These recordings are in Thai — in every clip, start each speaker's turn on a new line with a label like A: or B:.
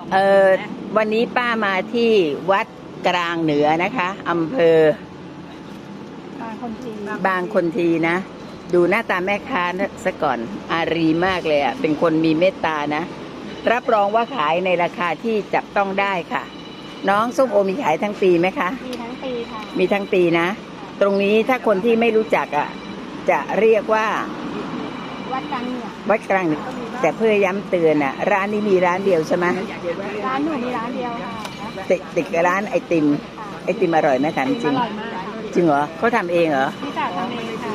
A: เออวันนี้ป้ามาที่วัดกลางเหนือนะคะอำเภอบางคนทีนะ ดูหน้าตาแม่ค้าซะก่อนอารีมากเลยอ่ะเป็นคนมีเมตตานะรับรองว่าขายในราคาที่จับต้องได้ค่ะ น้องส้มโอมีขายทั้งปีไหมคะ
B: มีทั้งปีค่ะ
A: มีทั้งปีนะตรงนี้ถ้าคนที่ไม่รู้จักอ่ะจะเรียกว่า
B: วัดกลางเหนือ
A: วัดกลางเหนือแต่เพื่อย้ำเตือนอ่ะร้านนี้มีร้านเดียวใช่ไหม
B: ร้านหนูมีร้านเดียวค่ะ
A: ติดกับร้านไอติมอร่อยไหมถามจริงจริงเหรอเขาทำเองเหรอ
B: พี่สาวทำเองค่ะ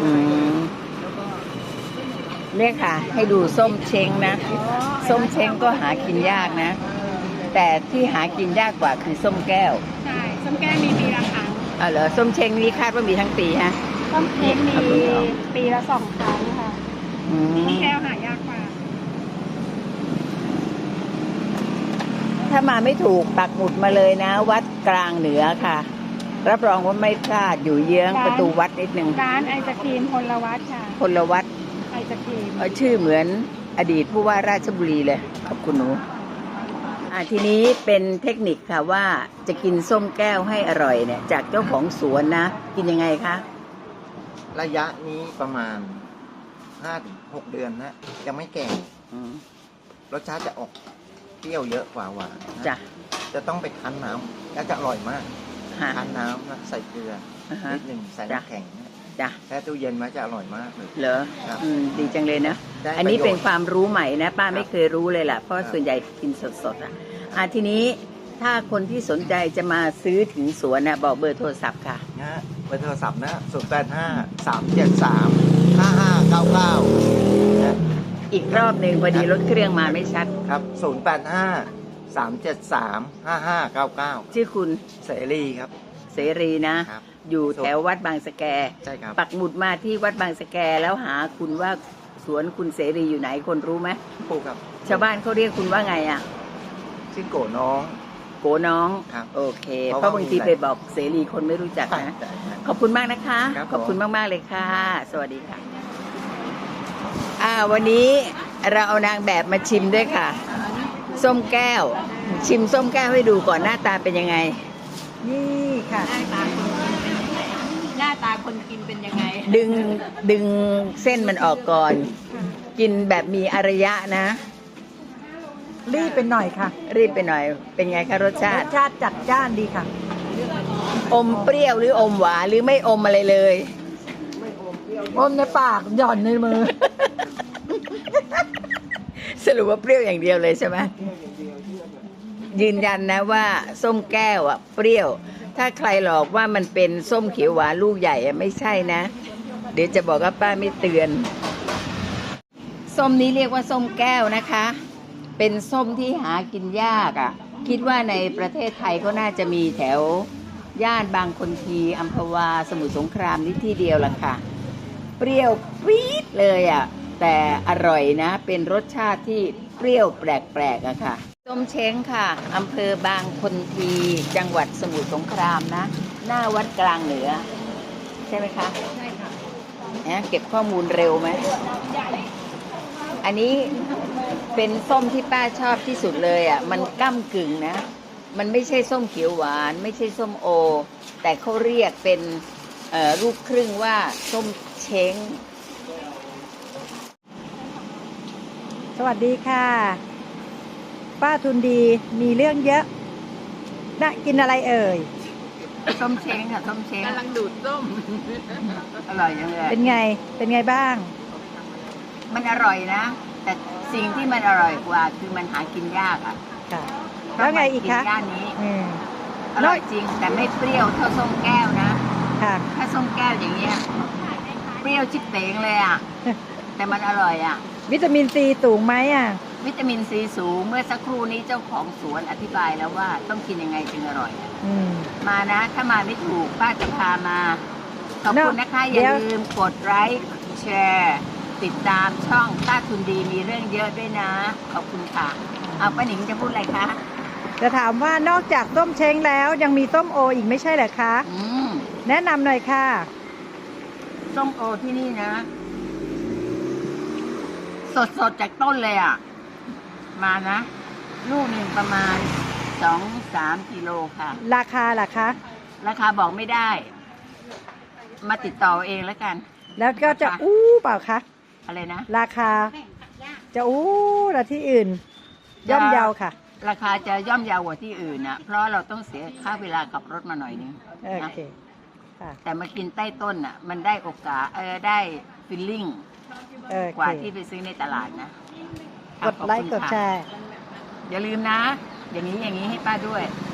A: เนี่ยค่ะให้ดูส้มเช้งนะส้มเช้งก็หากินยากนะแต่ที่หากินยากกว่าคือส้มแก้ว
B: ใช่ส้มแก้วมีปีละครั้ง
A: เหรอส้มเช้งนี้คาดว่ามีทั้งปีฮะ
B: ส้มเช้งมีปีละ2 ครั้งค่ะส้มแก้วหายากกว่า
A: ถ้ามาไม่ถูกปักหมุดมาเลยนะวัดกลางเหนือค่ะรับรองว่าไม่พลาดอยู่เยื้องประตูวัดนิดนึง
B: ร้านไอศกรีมพลวัตค่ะ
A: พลวัต
B: ไอศกรีม
A: ชื่อเหมือนอดีตผู้ว่าราชบุรีเลยขอบคุณหนูทีนี้เป็นเทคนิคค่ะว่าจะกินส้มแก้วให้อร่อยเนี่ยจากเจ้าของสวนนะกินยังไงคะ
C: ระยะนี้ประมาณ5-6 เดือนนะยังไม่แก่รสชาติจะออกเปรี้ยวเยอะกว่าหวาน
A: จ้ะ
C: จะต้องไปคั้นน้ำแล้วจะอร่อยมากคั้นน้ำนะใส่เกลือนิดหนึ่งใส่น้ำแข็ง
A: จ้ะ
C: แช่ตู้เย็นไว้จะอร่อยมากเลย
A: เหรอดีจังเลยนะอันนี้เป็นความรู้ใหม่นะป้าไม่เคยรู้เลยล่ะเพราะส่วนใหญ่กินสดๆทีนี้ถ้าคนที่สนใจจะมาซื้อถึงสวนนะบอกเบอร์โทรศัพท์ค่ะ
C: นะเบอร์โทรศัพท์นะ085-373-5599นะ
A: อีกรอบหนึ่งพอดีรถเครื่องมาไม่ชัด
C: ครับ085-373-5599
A: ชื่อคุณ
C: เสรีครับ
A: เสรีนะอยู่แถววัดบางสะแก
C: ใช่ครับ
A: ปักหมุดมาที่วัดบางสะแกแล้วหาคุณว่าสวนคุณเสรีอยู่ไหนคนรู้ไหม
C: ปู่ครับ
A: ชาวบ้านเขาเรียกคุณว่าไงอ่ะ
C: ชื่อโกน้อง
A: โอเคเพราะบางทีไปบอกเสรีคนไม่รู้จักนะขอบคุณมากนะคะขอบคุณมากๆเลยค่ะสวัสดีค่ะวันนี้เราเอานางแบบมาชิมด้วยค่ะส้มแก้วชิมส้มแก้วให้ดูก่อนหน้าตาเป็นยังไง
B: นี่ค่ะ
A: หน้าตาคนกินเป็นยังไงดึงเส้นมันออกก่อนกินแบบมีอารยะนะ
B: รีบไปหน่อยค่ะ
A: รีบไปหน่อยเป็นไงคะรสชาติ
B: จัดจ้านดีค่ะ
A: อมเปรี้ยวหรืออมหวานหรือไม่อมอะไรเลย
B: อมในปากหย่อนในมือ
A: สรุปว่าเปรี้ยวอย่างเดียวเลยใช่ไหมยืนยันนะว่าส้มแก้วเปรี้ยวถ้าใครหลอกว่ามันเป็นส้มเขียวหวานลูกใหญ่ไม่ใช่นะเดี๋ยวจะบอกว่าป้าไม่เตือนส้มนี้เรียกว่าส้มแก้วนะคะเป็นส้มที่หากินยากคิดว่าในประเทศไทยก็น่าจะมีแถวย่านบางคนทีอัมพวาสมุทรสงครามนี่ที่เดียวล่ะค่ะเปรี้ยวปี๊ดเลยแต่อร่อยนะเป็นรสชาติที่เปรี้ยวแปลกๆค่ะส้มเช้งค่ะอำเภอบางคนทีจังหวัดสมุทรสงครามนะหน้าวัดกลางเหนือใช่ไหมคะ
B: ใช่ค่ะ
A: เก็บข้อมูลเร็วไหมอันนี้เป็นส้มที่ป้าชอบที่สุดเลยมันก้ำกึ่งนะมันไม่ใช่ส้มเขียวหวานไม่ใช่ส้มโอแต่เขาเรียกเป็นลูกครึ่งว่าส้มเช้ง
B: สวัสดีค่ะป้าทุนดีมีเรื่องเยอะน่ากินอะไรเอ่ย
A: ส้มเช้งค่ะส้มเช้งกำลังดูดส้มอร่อยจังเลย
B: เป็นไงบ้าง
A: มันอร่อยนะแต่สิ่งที่มันอร่อยกว่าคือมันหากินยาก
B: ค่ะแล้วไงอีกคะ
A: ย่านนี้อร่อยจริงแต่ไม่เปรี้ยวเท่าส้มแก้วนะ
B: ค่ะ
A: ถ้าส้มแก้วอย่างเงี้ยเปรี้ยวชิบเป๋งเลยแต่มันอร่อย
B: วิตามินซีสูงไหม
A: วิตามินซีสูงเมื่อสักครู่นี้เจ้าของสวนอธิบายแล้วว่าต้องกินยังไงจึงอร่อยมานะถ้ามาไม่ถูกป้าจะพามาขอบคุณนะคะอย่าลืมกดไลค์แชร์ติดตามช่องป้าทุนดีมีเรื่องเยอะด้วยนะขอบคุณค่ะป้าหนิงจะพูดอะไรคะ
B: จะถามว่านอกจากส้มเช้งแล้วยังมีส้มโออีกไม่ใช่เหรอคะแนะนำหน่อยค่ะ
A: ส้มโอที่นี่นะสดจากต้นเลยมานะลูกหนึ่งประมาณ2-3 กิโลค่ะ
B: ราคาล่ะคะ
A: ราคาบอกไม่ได้ มาติดต่อเองแล้วกัน
B: แล้วก็จะอู้เปล่าคะ
A: อะไรนะ
B: ราคาจะอู้ละที่อื่น ย่อมเยาค่ะ
A: ราคาจะย่อมเยาวกว่าที่อื่นนะเพราะเราต้องเสียค่าเวลาขับรถมาหน่อยนึง
B: โอ
A: นะ
B: เคค่ะ
A: แต่มากินใต้ต้นอ่ะ มันได้โอกาสได้ฟิลลิ่ง
B: โอก
A: ว่า
B: เค
A: ที่ไปซื้อในตลาดนะ
B: กดไลค์กดแชร์
A: อย่าลืมนะ อย่างนี้ให้ป้าด้วย